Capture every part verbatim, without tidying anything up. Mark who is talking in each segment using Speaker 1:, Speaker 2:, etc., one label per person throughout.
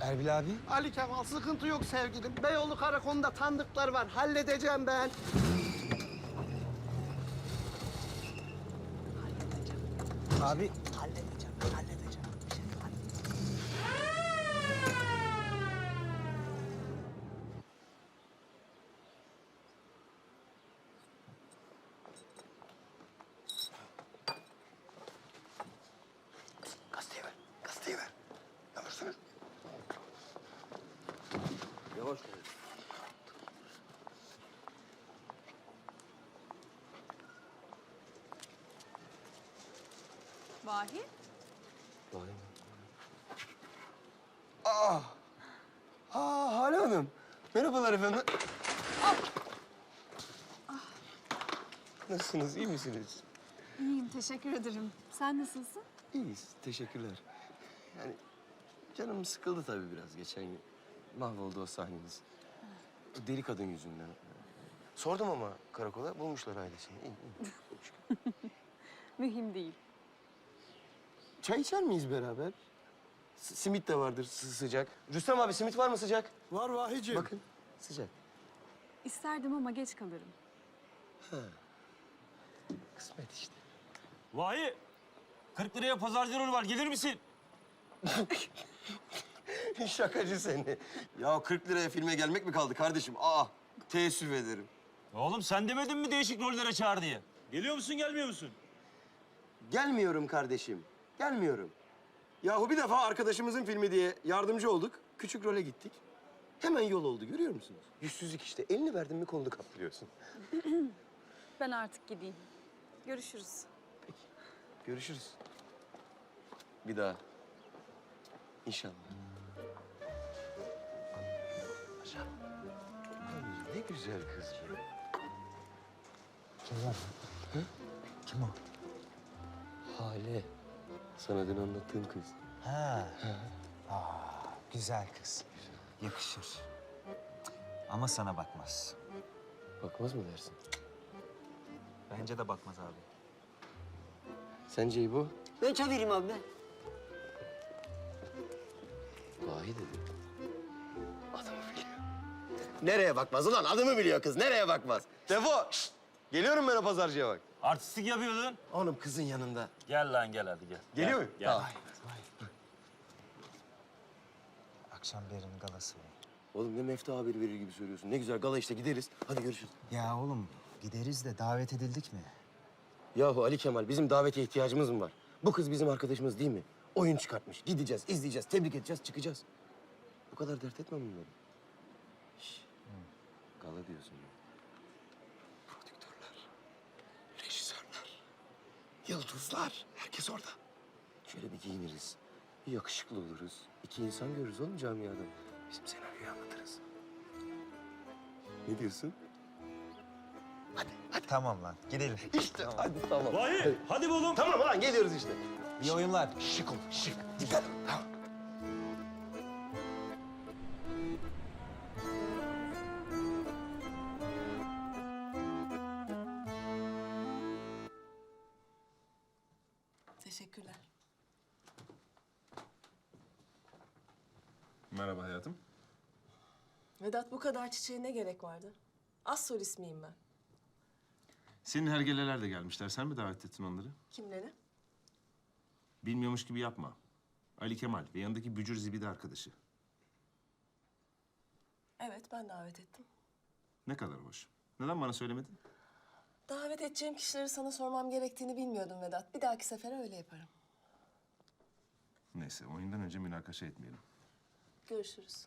Speaker 1: Erbil abi.
Speaker 2: Ali Kemal sıkıntı yok sevgilim. Beyoğlu karakolunda tanıdıklar var. Halledeceğim ben.
Speaker 1: Abi.
Speaker 2: Halledeceğim, halledeceğim.
Speaker 3: Gazeteyi ver, gazeteyi ver. Yavaşsana. Yavaş ol.
Speaker 4: Vahi?
Speaker 3: Vay be. Aa! Aa, Hale Hanım. Merhabalar efendim. Nasılsınız, iyi misiniz?
Speaker 4: İyiyim, teşekkür ederim. Sen nasılsın?
Speaker 3: İyiyiz, teşekkürler. Yani canım sıkıldı tabii biraz geçen gün. Mahvoldu o sahneniz. O deli kadın yüzünden. Sordum ama karakola, bulmuşlar ailesini. İyi, iyi.
Speaker 4: Mühim değil.
Speaker 3: Çay içer miyiz beraber? S- simit de vardır sı- sıcak. Rüstem abi simit var mı sıcak?
Speaker 2: Var Vahicim.
Speaker 3: Bakın sıcak.
Speaker 4: İsterdim ama geç kalırım.
Speaker 3: Kısmet işte.
Speaker 1: Vahi. kırk liraya pazarcı rolü var. Gelir misin?
Speaker 3: Şakacı seni. Ya kırk liraya filme gelmek mi kaldı kardeşim? Aa, teessüf ederim.
Speaker 1: Oğlum sen demedin mi değişik rollere çağır diye? Geliyor musun, gelmiyor musun?
Speaker 3: Gelmiyorum kardeşim, gelmiyorum. Yahu bir defa arkadaşımızın filmi diye yardımcı olduk. Küçük role gittik. Hemen yol oldu, görüyor musunuz? Yüzsüzlük işte. Elini verdin mi kolunu kaplıyorsun.
Speaker 4: Ben artık gideyim. Görüşürüz.
Speaker 3: Peki, görüşürüz. Bir daha. İnşallah. Maşallah. Ay, ne güzel kız bu.
Speaker 1: Kim var? Kim o?
Speaker 3: Hale. Sana dün anlattığım kız.
Speaker 1: Ha. Aa, güzel kız. Yakışır. Ama sana bakmaz.
Speaker 3: Bakmaz mı dersin?
Speaker 1: Bence de bakmaz abi.
Speaker 3: Sence bu?
Speaker 2: Ben çevireyim abi ben.
Speaker 3: Vahi dedi. Adımı biliyor. Nereye bakmaz ulan? Adımı biliyor kız. Nereye bakmaz? Defo! Şşt! Geliyorum ben o pazarcıya bak.
Speaker 1: Artistik yapıyordun.
Speaker 3: Oğlum kızın yanında.
Speaker 1: Gel lan gel hadi gel.
Speaker 3: Geliyor
Speaker 1: Gel,
Speaker 3: mu?
Speaker 1: Gel.
Speaker 3: Tamam.
Speaker 5: Akşam Berin galası var.
Speaker 3: Oğlum ne mefta haberi verir gibi söylüyorsun. Ne güzel gala işte gideriz. Hadi görüşürüz.
Speaker 5: Ya oğlum gideriz de davet edildik mi?
Speaker 3: Yahu Ali Kemal bizim davete ihtiyacımız mı var? Bu kız bizim arkadaşımız değil mi? Oyun çıkartmış. Gideceğiz, izleyeceğiz, tebrik edeceğiz, çıkacağız. Bu kadar dert etme bunları. Şş. Gala diyorsun ya. Prodüktörler, rejisörler, yıldızlar. Herkes orada. Şöyle bir giyiniriz. Bir yakışıklı oluruz. İki insan görürüz oğlum camiada. Bizim senaryoyu anlatırız. Ne diyorsun? Hadi, hadi.
Speaker 5: Tamam lan gidelim.
Speaker 3: İşte hadi tamam.
Speaker 1: Vahi hadi be oğlum.
Speaker 3: Tamam lan geliyoruz işte.
Speaker 5: İyi oyunlar.
Speaker 3: Şık ol, şık. Dikkat. Tamam.
Speaker 6: Teşekkürler.
Speaker 7: Merhaba hayatım.
Speaker 6: Vedat bu kadar çiçeğe ne gerek vardı? Az solist miyim ben?
Speaker 7: Senin hergeleler de gelmişler. Sen mi davet ettin onları?
Speaker 6: Kimleri?
Speaker 7: Bilmiyormuş gibi yapma. Ali Kemal ve yanındaki bücür zibidi arkadaşı.
Speaker 6: Evet ben davet ettim.
Speaker 7: Ne kadar hoş. Neden bana söylemedin?
Speaker 6: Davet edeceğim kişileri sana sormam gerektiğini bilmiyordum Vedat. Bir dahaki sefere öyle yaparım.
Speaker 7: Neyse oyundan önce münakaşa etmeyelim.
Speaker 6: Görüşürüz.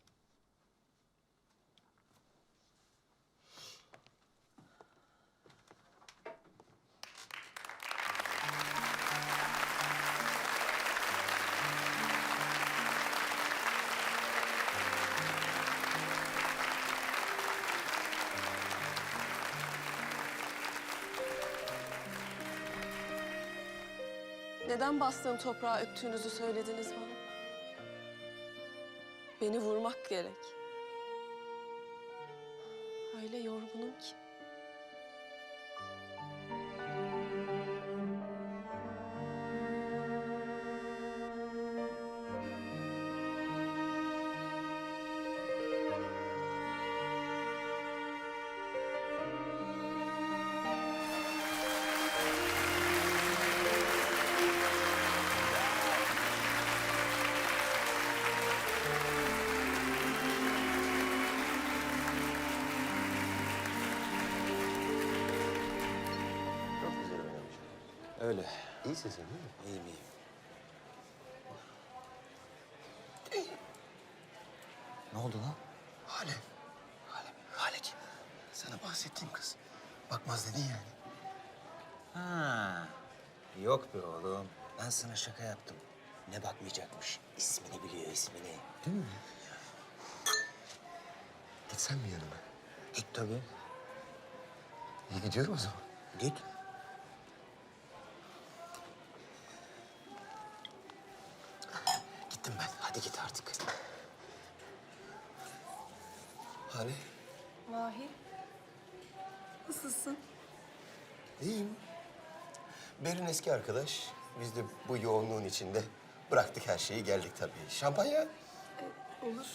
Speaker 6: Neden bastığım toprağı öptüğünüzü söylediniz bana? Beni vurmak gerek. Öyle yorgunum ki.
Speaker 3: Öyle. İyisin sen değil mi? İyiyim, iyiyim.
Speaker 5: Ne oldu lan?
Speaker 3: Hale. Hale. Hale kim? Sana bahsettiğim kız. Bakmaz dedin yani.
Speaker 5: Ha. Yok be oğlum. Ben sana şaka yaptım. Ne bakmayacakmış? İsmini biliyor, ismini.
Speaker 3: Değil mi? Gitsen mi yanıma?
Speaker 5: Git tabii.
Speaker 3: İyi gidiyorum o zaman.
Speaker 5: Git.
Speaker 3: Gittim ben. Hadi git artık. Hale.
Speaker 6: Mahir.
Speaker 4: Nasılsın?
Speaker 3: İyiyim. Berin eski arkadaş. Biz de bu yoğunluğun içinde bıraktık her şeyi geldik tabii. Şampanya?
Speaker 6: Olur.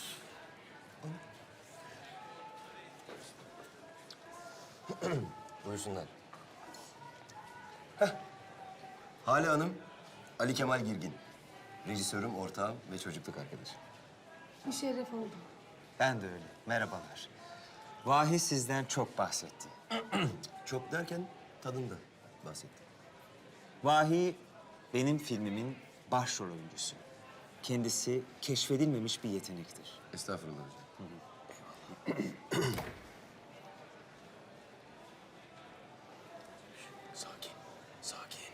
Speaker 3: Buyursunlar. Heh. Hale Hanım, Ali Kemal Girgin. Rejisörüm, ortağım ve çocukluk arkadaşım.
Speaker 6: Müşerref oldum.
Speaker 5: Ben de öyle. Merhabalar. Vahi sizden çok bahsetti.
Speaker 3: Çok derken tadında bahsettim.
Speaker 5: Vahi benim filmimin başrol oyuncusu. Kendisi keşfedilmemiş bir yetenektir.
Speaker 3: Estağfurullah hocam. Sakin, sakin.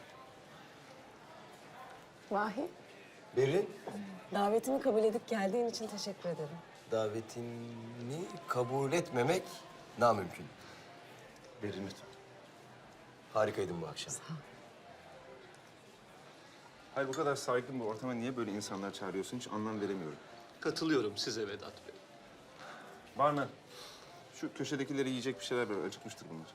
Speaker 6: Mahir.
Speaker 3: Berin,
Speaker 6: Davetimi kabul edip geldiğin için teşekkür ederim.
Speaker 3: davetini kabul etmemek namümkün. Berin lütfen. Harikaydın bu akşam.
Speaker 7: Hayır, bu kadar saygın bir ortama niye böyle insanlar çağırıyorsun hiç anlam veremiyorum.
Speaker 2: Katılıyorum size Vedat Bey.
Speaker 7: Barmen, şu köşedekileri yiyecek bir şeyler ver. Acıkmıştır bunlar.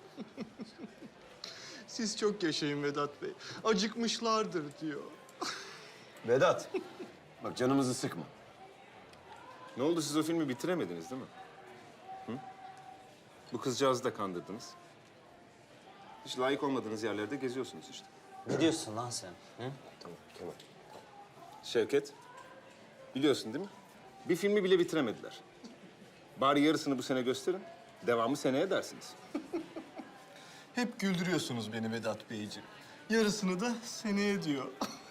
Speaker 2: Siz çok yaşayın Vedat Bey. Acıkmışlardır diyor.
Speaker 3: Vedat, bak canımızı sıkma.
Speaker 7: Ne oldu, siz o filmi bitiremediniz değil mi? Hı? Bu kızcağızı da kandırdınız. Hiç layık olmadığınız yerlerde geziyorsunuz işte.
Speaker 5: Ne diyorsun lan sen? Hı?
Speaker 3: Tamam Kemal.
Speaker 7: Şevket, biliyorsun değil mi? Bir filmi bile bitiremediler. Bari yarısını bu sene gösterin, devamı seneye dersiniz.
Speaker 2: Hep güldürüyorsunuz beni Vedat Beyciğim. Yarısını da seneye diyor.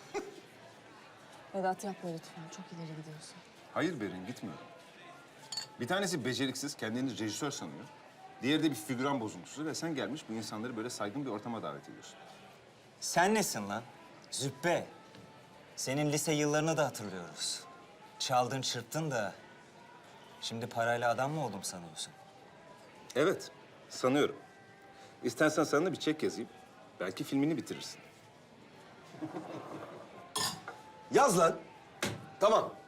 Speaker 6: Vedat yapma lütfen. Çok ileri gidiyorsun.
Speaker 7: Hayır Berin, gitmiyorum. Bir tanesi beceriksiz, kendini rejisör sanıyor. Diğeri de bir figüran bozuntusu ve sen gelmiş bu insanları böyle saygın bir ortama davet ediyorsun.
Speaker 5: Sen nesin lan? Züppe. Senin lise yıllarını da hatırlıyoruz. Çaldın çırptın da şimdi parayla adam mı oldum sanıyorsun?
Speaker 7: Evet, sanıyorum. İstersen sana da bir çek yazayım. Belki filmini bitirirsin.
Speaker 3: Yaz lan. Tamam.